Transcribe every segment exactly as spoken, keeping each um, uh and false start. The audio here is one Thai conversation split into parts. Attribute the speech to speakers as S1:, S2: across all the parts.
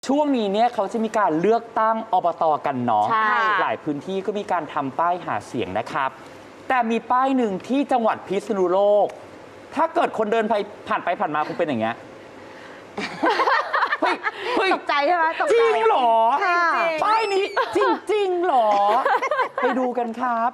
S1: ช่วงนี้เนี่ยเขาจะมีการเลือกตั้งอบต.กันเนาะ
S2: ใช่
S1: หลายพื้นที่ก็มีการทำป้ายหาเสียงนะครับ แต่มีป้ายหนึ่งที่จังหวัดพิษณุโลก ถ้าเกิดคนเดินไปผ่านไปผ่านมาคงเป็นอย่างเงี้ย เฮ้ยเฮ้ย
S2: ตกใจใช่ไหมตก
S1: จ
S2: ใจ
S1: ริงเหรอ
S2: ค่ะ
S1: ป้ายนี้จริงจริงเหรอ ไปดูกันครับ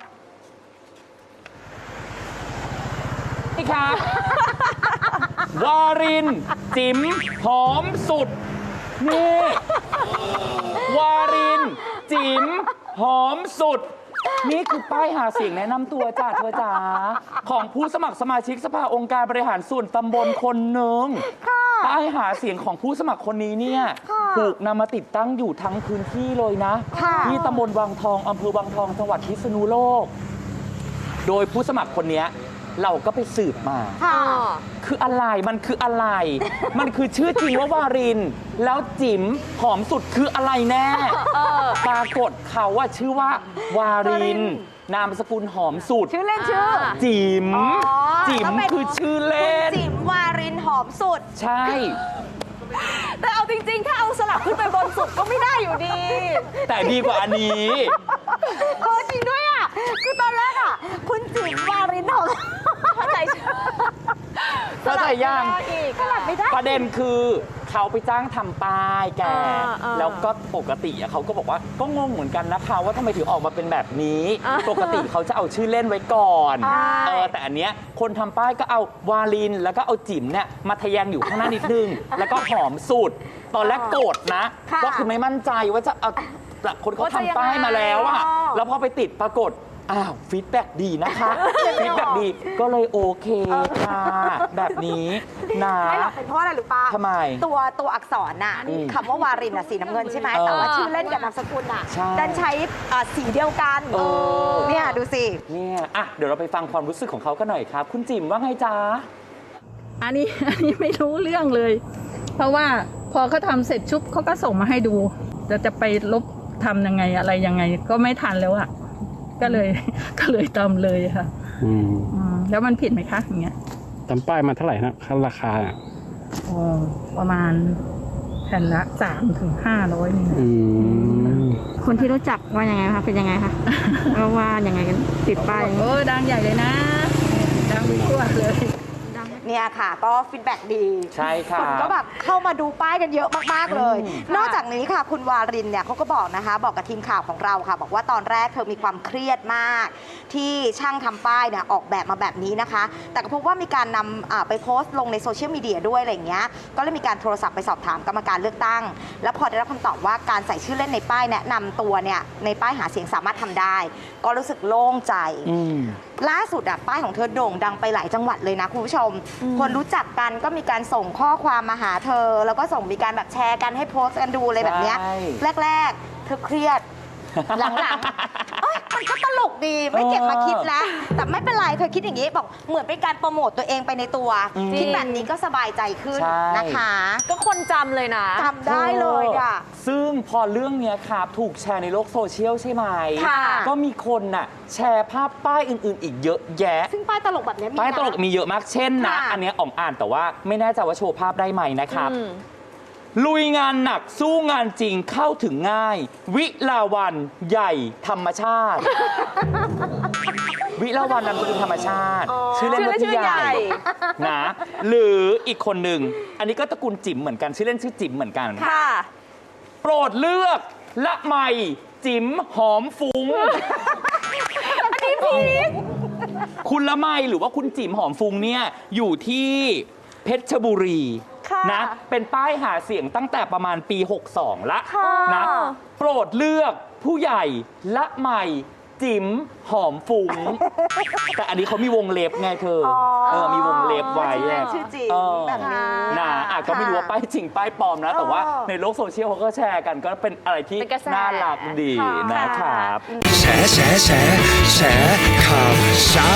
S1: นี่ครับ วาริน จิ๋มหอมสุด นี่ วาริน จิ๋มหอมสุด นี่คือป้ายหาเสียงแนะนำตัวจ้าเธอจ๋าของผู้สมัครสมาชิกสภาองค์การบริหารส่วนตำบลคนหนึ่งป้ายหาเสียงของผู้สมัครคนนี้เนี่ยถูกนำมาติดตั้งอยู่ทั้งพื้นที่เลยนะ ที่ตำบลวังทองอำเภอวังทองจังหวัดพิษณุโลก โดยผู้สมัครคนนี้เราก็ไปสืบมา
S2: ค่ะ
S1: คืออะไร มันคืออะไร มันคือชื่อจริงว่าวาริน แล้วจิ๋มหอมสุดคืออะไรแน่ ปรากฏเขาว่าชื่อว่าวาริน นามสกุลหอมสุด
S2: ชื่อเล่นชื่อ
S1: จิ๋ม
S2: อ๋อ
S1: จิ๋ม
S2: แล้วเป็น
S1: คือชื่อเล่น
S2: จิ๋มวารินหอมสุด
S1: ใช่
S2: แต่เอาจริงๆ ถ้าเอาสลับขึ้นไปบนสุดก็ไม่ได้อยู่ดี
S1: แต่ดีกว่าอันนี้
S2: เออจริงด้วยอ่ะ คือตอนแรกอ่ะ คุณจิ๋มวารินหอมเข้าใจ
S1: เข้าใจยัง
S2: สลับไม่ได้
S1: ประเด็นคือเขาไปจ้างทำป้ายแก
S2: เออเออ
S1: แล้วก็ปกติอะเขาก็บอกว่าก็งงเหมือนกันนะคะว่าทำไมถึงออกมาเป็นแบบนี้
S2: เออ
S1: ปกติเขาจะเอาชื่อเล่นไว้ก่อน
S2: ใช่
S1: เออแต่อันเนี้ยคนทำป้ายก็เอาวาลิน แล้วก็เอาจิ๋มเนี่ยมาทะแยงอยู่ข้างหน้านิดนึง แล้วก็หอมสุด ตอนแรกโกรธนะ
S2: ค่ะ
S1: ก็คือไม่มั่นใจว่าจะเอาแต่คนเขาทำป้ายมาแล้วอะ
S2: ว่าจะยังไง
S1: แล้วพอไปติดปรากฏอ้าวฟีดแบ็ดี นะคะฟีดแบ็ดีก็เลยโอเคค่ะแบบนี้นะ
S2: ไม่หรอกเป็นเพราะอะไรหรือปะ
S1: ทำไม
S2: ตัวตัวอักษรน่ะ
S1: อืม
S2: คำว่าวารินน่ะสีน้ำเงินใช่ไหม
S1: เออ
S2: แต่ว่าชื่อเล่นกับนามสกุลน่ะ
S1: ใช่
S2: ดันใช้อ่าสีเดียวกัน
S1: เออ
S2: เนี่ยดูสิ
S1: เนี่ยอ่ะเดี๋ยวเราไปฟังความรู้สึกของเขากันหน่อยครับ คุณจิ๋มว่าไงจ๊ะ
S3: อันนี้ อันนี้ไม่รู้เรื่องเลย เพราะว่าพอเขาทำเสร็จชุบเขาก็ส่งมาให้ดูจะจะไปลบทำยังไงอะไรยังไง ก็ไม่ทันแล้วอะก็เลย ก็เลยตามเลยค่ะ
S4: อืม
S3: อืมแล้วมันผิดไหมคะอย่างเงี้ย
S4: ตามป้ายมาเท่าไหร่นะค่าราคาอ่ะ
S3: อ๋อประมาณแผ่นละสามถึงห้าร้อยนี่นะ
S4: อืม
S5: คนที่รู้จักว่ายังไงคะเป็นยังไงคะ ว่าว่ายังไงกันติดป้ายอย่างนี้
S3: โอ้ดังใหญ่เลยนะ ดังไปทั่วเลย
S2: เนี่ยค่ะ ก็ฟีดแบ็ดี
S1: ใช่ค่ะ
S2: คนก็แบบเข้ามาดูป้ายกันเยอะมาก ๆ เลย
S1: อืม
S2: นอกจากนี้ค่ะ คุณวารินเนี่ยเขาก็บอกนะคะ บอกกับทีมข่าวของเราค่ะ บอกว่าตอนแรกเธอมีความเครียดมาก ที่ช่างทำป้ายเนี่ยออกแบบมาแบบนี้นะคะ แต่ก็พบว่ามีการนำอ่าไปโพสต์ลงในโซเชียลมีเดียด้วยอะไรอย่างเงี้ยก็เลยมีการโทรศัพท์ไปสอบถามกรรมการเลือกตั้ง แล้วพอได้รับคำตอบว่าการใส่ชื่อเล่นในป้ายแนะนำตัวเนี่ยในป้ายหาเสียงสามารถทำได้ ก็รู้สึกโล่งใจ
S1: อืม
S2: ล่าสุดอะป้ายของเธอโด่งดังไปหลายจังหวัดเลยนะคุณผู้ชม คนรู้จักกันก็มีการส่งข้อความมาหาเธอ แล้วก็ส่งมีการแบบแชร์กันให้โพสต์กันดูอะไรแบบเนี้ย
S1: ใช่
S2: แรก ๆ เธอเครียด หลังๆเอ้ยมันก็ตลกดีไม่เก็บมาคิดแล้ว แต่ไม่เป็นไรเธอคิดอย่างนี้บอกเหมือนเป็นการโปรโมตตัวเองไปในตัว
S1: อืม
S2: คิดแบบนี้ก็สบายใจขึ้น
S1: ใช่
S2: นะคะ
S6: ก็คนจำเลยนะ
S2: จำได้เลยอะ
S1: ซึ่งพอเรื่องเนี้ยครับถูกแชร์ในโลกโซเชียลใช่ไหม
S2: ค่ะ
S1: ก็มีคนน่ะแชร์ภาพป้ายอื่น ๆ อีกเยอะแยะ
S2: ซึ่งป้ายตลกแบบเนี้ยมี
S1: ป้ายตลก
S2: นะ
S1: มีเยอะมาก เช่นนะ
S2: ค่ะ
S1: อันเนี้ยอ่องอ่านแต่ว่าไม่แน่ใจว่าโชว์ภาพได้ไหมนะครับ
S6: อืม
S1: ลุยงานหนักสู้งานจริงเข้าถึงง่าย วิลาวันใหญ่ธรรมชาติ วิลาวันนามสกุลธรรมชาติ ชื่อเล่นว่า
S6: ชื่อ
S1: พี่
S6: ใหญ่
S1: ใหญ่นะหรืออีกคนหนึ่ง อันนี้ก็ตระกูลจิ๋มเหมือนกันชื่อเล่นชื่อจิ๋มเหมือนกัน
S6: ค่ะ
S1: โปรดเลือกละไมจิ๋มหอมฟุ้ง อันนี้พีคคุณละไมหรือว่าคุณจิ๋มหอมฟุ้งเนี่ยอยู่ที่เพชรบุรี
S6: ค่ะ
S1: นะเป็นป้ายหาเสียงตั้งแต่ประมาณปี หกสอง ละ
S6: ค่ะ
S1: นะโปรดเลือกผู้ใหญ่ละไมจิ๋มหอมฟุ้ง แต่อันนี้เขามีวงเล็บไงเธออ
S2: อ
S1: เออมีวงเล็บไว้
S2: ชื่อเล่
S1: อะ
S2: นชื่อจริง
S1: เออ
S2: แบบนี้
S1: นะอ่ะก็ไม่รู้ว่าป้ายจริงป้ายปลอมนะ แต่ว่า
S2: เออ
S1: ในโลกโซเชียลเขาก็แชร์กันก็เป็นอะไรที่
S6: เป็นกระแส
S1: น่ารักดีนะครับ
S7: แฉแฉแฉแฉข่าวเช้า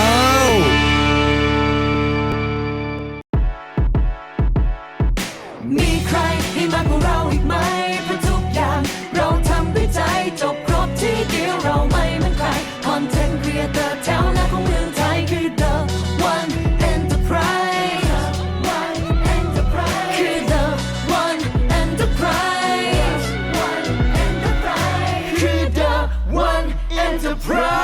S7: มีใครให้มากกว่าเราอีกไหมเพราะทุกอย่างเราทำด้วยใจจบครบที่เดียวเราไม่เหมือนใครคอนเทนต์ครีเอเตอร์แถวหน้าของเมืองไทยคือ The One Enterprise คือ The One Enterprise อร์ไพร